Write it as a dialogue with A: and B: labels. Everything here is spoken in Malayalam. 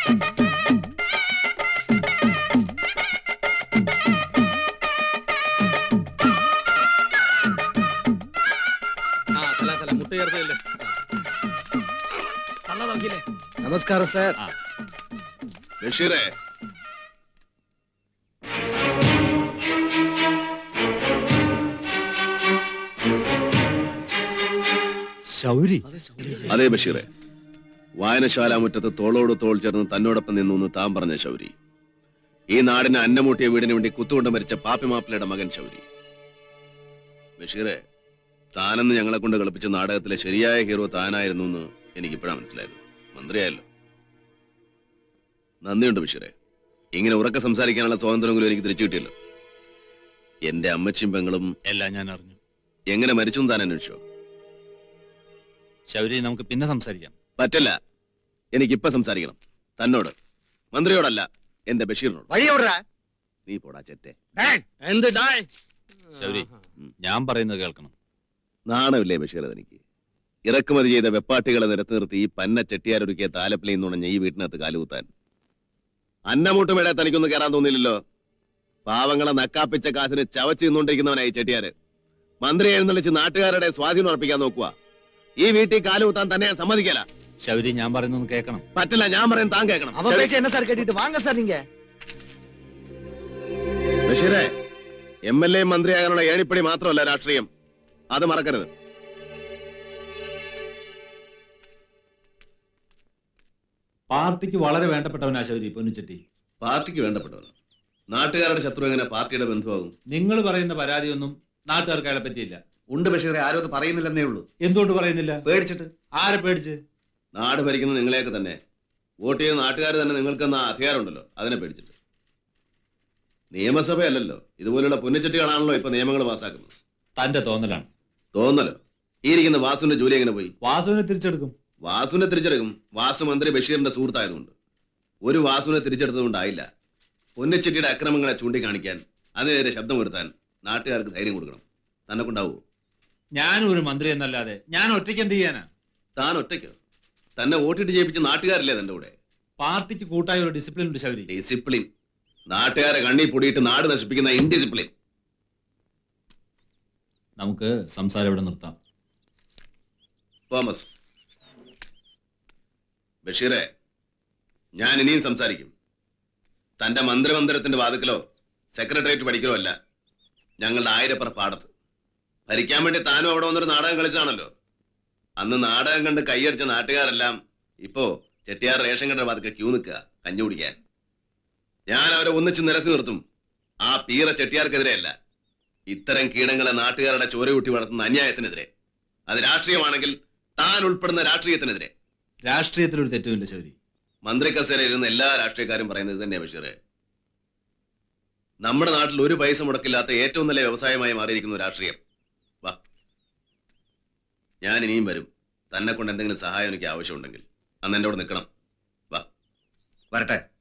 A: നമസ്കാരം സാർ.
B: ബഷീറേ,
A: ശൗരി.
B: അതെ ബഷീറെ, വായനശാല മുറ്റത്ത് തോളോട് തോൾ ചേർന്ന് തന്നോടൊപ്പം നിന്നു താൻ പറഞ്ഞ ശൗരി. ഈ നാടിന് അന്നമൂട്ടിയ വീടിന് വേണ്ടി കുത്തുകൊണ്ട് മരിച്ച പാപ്പിമാപ്പിളയുടെ മകൻ ശൗരി. ബഷീറെ, താനെന്ന് ഞങ്ങളെ കൊണ്ട് കളിപ്പിച്ച നാടകത്തിലെ ശരിയായ ഹീറോ താനായിരുന്നു എന്ന് എനിക്കിപ്പോഴാണ് മനസ്സിലായത്. മന്ത്രിയായല്ലോ. നന്ദിയുണ്ട് ബഷീറെ. ഇങ്ങനെ ഉറക്കെ സംസാരിക്കാനുള്ള സ്വാതന്ത്ര്യമെങ്കിലും എനിക്ക് തിരിച്ചു കിട്ടിയല്ലോ. എന്റെ അമ്മച്ചിയും പെങ്ങളും
C: എല്ലാം ഞാൻ അറിഞ്ഞു.
B: എങ്ങനെ മരിച്ചു താൻ അന്വേഷിച്ചോ?
C: ശൗരി, നമുക്ക് പിന്നെ സംസാരിക്കാം.
B: പറ്റില്ല, എനിക്കിപ്പ സംസാരിക്കണം. തന്നോട്, മന്ത്രിയോടല്ല, എന്റെ ബഷീറിനോട്. നീ പോടാ ചെറ്റേ.
C: ശൗരി, ഞാൻ പറയുന്നത് കേൾക്കണം.
B: നാണമില്ലേ ബഷീർ? എനിക്ക് ഇറക്കുമതി ചെയ്ത വെപ്പാട്ടികളെ നിരത്തി നിർത്തി ഈ പന്ന ചെട്ടിയാരൊരുക്കിയ താലപ്പിലയിൽ നുണഞ്ഞ ഈ വീട്ടിനകത്ത് കാലുകുത്താൻ അന്നമൂട്ടുമേടെ തനിക്കൊന്നും കയറാൻ തോന്നിയില്ലല്ലോ. പാവങ്ങളെ നക്കാപ്പിച്ച കാശിന് ചവച്ച് നിന്നുകൊണ്ടിരിക്കുന്നവനായി ചെട്ടിയാര്. മന്ത്രി എഴുന്നള്ളിച്ച് നാട്ടുകാരുടെ സ്വാധീനം ഉറപ്പിക്കാൻ നോക്കുക. ഈ വീട്ടിൽ കാലുകുത്താൻ തന്നെ ഞാൻ സമ്മതിക്കല.
C: ശൗരി, ഞാൻ പറയുന്നത് കേൾക്കണം.
B: പറ്റില്ല, ഞാൻ പറയുന്നത് താൻ കേൾക്കണം. ബഷീറെ, MLA മന്ത്രിയാകാനുള്ള ഏണിപ്പടി മാത്രമല്ല രാഷ്ട്രീയം, അത് മറക്കരുത്.
C: പാർട്ടിക്ക് വളരെ വേണ്ടപ്പെട്ടവനാ ശൗരി പൊന്നിച്ചെട്ടി.
B: പാർട്ടിക്ക് വേണ്ടപ്പെട്ടവനോ? നാട്ടുകാരുടെ ശത്രു എങ്ങനെ പാർട്ടിയുടെ ബന്ധുവാകും?
C: നിങ്ങൾ പറയുന്ന പരാതിയൊന്നും നാട്ടുകാർക്ക് അയാളെ പറ്റിയില്ല.
D: ഉണ്ട് ബഷീറെ, ആരും അത് പറയുന്നില്ലെന്നേ ഉള്ളൂ.
C: എന്തുകൊണ്ട് പറയുന്നില്ല?
D: പേടിച്ചിട്ട്.
C: ആരെ പേടിച്ച്?
B: നാട് ഭരിക്കുന്ന നിങ്ങളെയൊക്കെ തന്നെ. വോട്ട് ചെയ്യുന്ന നാട്ടുകാർ തന്നെ നിങ്ങൾക്ക് എന്ന അധികാരമുണ്ടല്ലോ, അതിനെ പേടിച്ചിട്ട്. നിയമസഭയല്ലല്ലോ, ഇതുപോലുള്ള പുന്നച്ചട്ടികളാണല്ലോ ഇപ്പൊ നിയമങ്ങൾ പാസ്സാക്കുന്നത്.
C: തന്റെ തോന്നലാണ്.
B: തോന്നലോ? ഈ ഇരിക്കുന്ന വാസുവിന്റെ ജോലി എങ്ങനെ പോയി?
C: വാസുവിനെ തിരിച്ചെടുക്കും.
B: വാസുവിനെ തിരിച്ചെടുക്കും. വാസു മന്ത്രി ബഷീറിന്റെ സുഹൃത്തായതുകൊണ്ട്. ഒരു വാസുവിനെ തിരിച്ചെടുത്തതുകൊണ്ടായില്ല. പൊന്നച്ചെട്ടിയുടെ അക്രമങ്ങളെ ചൂണ്ടിക്കാണിക്കാൻ, അതിനെതിരെ ശബ്ദമുയർത്താൻ നാട്ടുകാർക്ക് ധൈര്യം കൊടുക്കണം. തന്നെ കൊണ്ടാവൂ?
C: ഞാനും ഒരു മന്ത്രി എന്നല്ലാതെ ഞാൻ ഒറ്റയ്ക്ക് എന്ത് ചെയ്യാനാ?
B: താൻ ഒറ്റയ്ക്കോ? തന്നെ വോട്ടിട്ട് ജയിപ്പിച്ച നാട്ടുകാരല്ലേ തന്റെ കൂടെ?
C: പാർട്ടിക്ക് കൂട്ടായ ഒരു ഡിസിപ്ലിൻ ഉണ്ട് ശൗരി.
B: ഡിസിപ്ലിൻ? നാട്ടുകാരെ കണ്ണി പൊടിയിട്ട് നാട് നശിപ്പിക്കുന്ന ഇൻഡിസിപ്ലിൻ.
C: നമുക്ക് സംസാരം ഇവിടെ നിർത്താം.
B: തോമസ്, ബഷീറെ, ഞാൻ ഇനിയും സംസാരിക്കും. തന്റെ മന്ത്രിമന്ദിരത്തിന്റെ വാതുക്കലോ സെക്രട്ടേറിയറ്റ് പഠിക്കലോ അല്ല, ഞങ്ങളുടെ ആയിരപ്പുറ പാടത്ത്. ഭരിക്കാൻ വേണ്ടി താനും അവിടെ വന്നൊരു നാടകം കളിച്ചാണല്ലോ. അന്ന് നാടകം കണ്ട് കൈയടിച്ച നാട്ടുകാരെല്ലാം ഇപ്പോ ചെട്ടിയാർ റേഷൻ കട വാതുക്കെ ക്യൂ നിൽക്കുക കഞ്ഞി കുടിക്കാൻ. ഞാൻ അവരെ ഒന്നിച്ച് നിരത്തി നിർത്തും. ആ പീറ ചെട്ടിയാർക്കെതിരെയല്ല, ഇത്തരം കീടങ്ങളെ നാട്ടുകാരുടെ ചോരയൂട്ടി വളർത്തുന്ന അന്യായത്തിനെതിരെ. അത് രാഷ്ട്രീയമാണെങ്കിൽ താൻ ഉൾപ്പെടുന്ന രാഷ്ട്രീയത്തിനെതിരെ.
C: രാഷ്ട്രീയത്തിലൊരു തെറ്റുമില്ല ശൗരി.
B: മന്ത്രി കസേരയിൽ ഇരുന്ന എല്ലാ രാഷ്ട്രീയക്കാരും പറയുന്നത് തന്നെയാ ബഷീറെ. നമ്മുടെ നാട്ടിൽ ഒരു പൈസ മുടക്കില്ലാത്ത ഏറ്റവും നല്ല വ്യവസായമായി മാറിയിരിക്കുന്നു രാഷ്ട്രീയം. വാ, ഞാൻ ഇനിയും വരും. തന്നെ കൊണ്ട് എന്തെങ്കിലും സഹായം എനിക്ക് ആവശ്യമുണ്ടെങ്കിൽ അന്ന് എൻ്റെ കൂടെ നിൽക്കണം. വാ,
D: വരട്ടെ.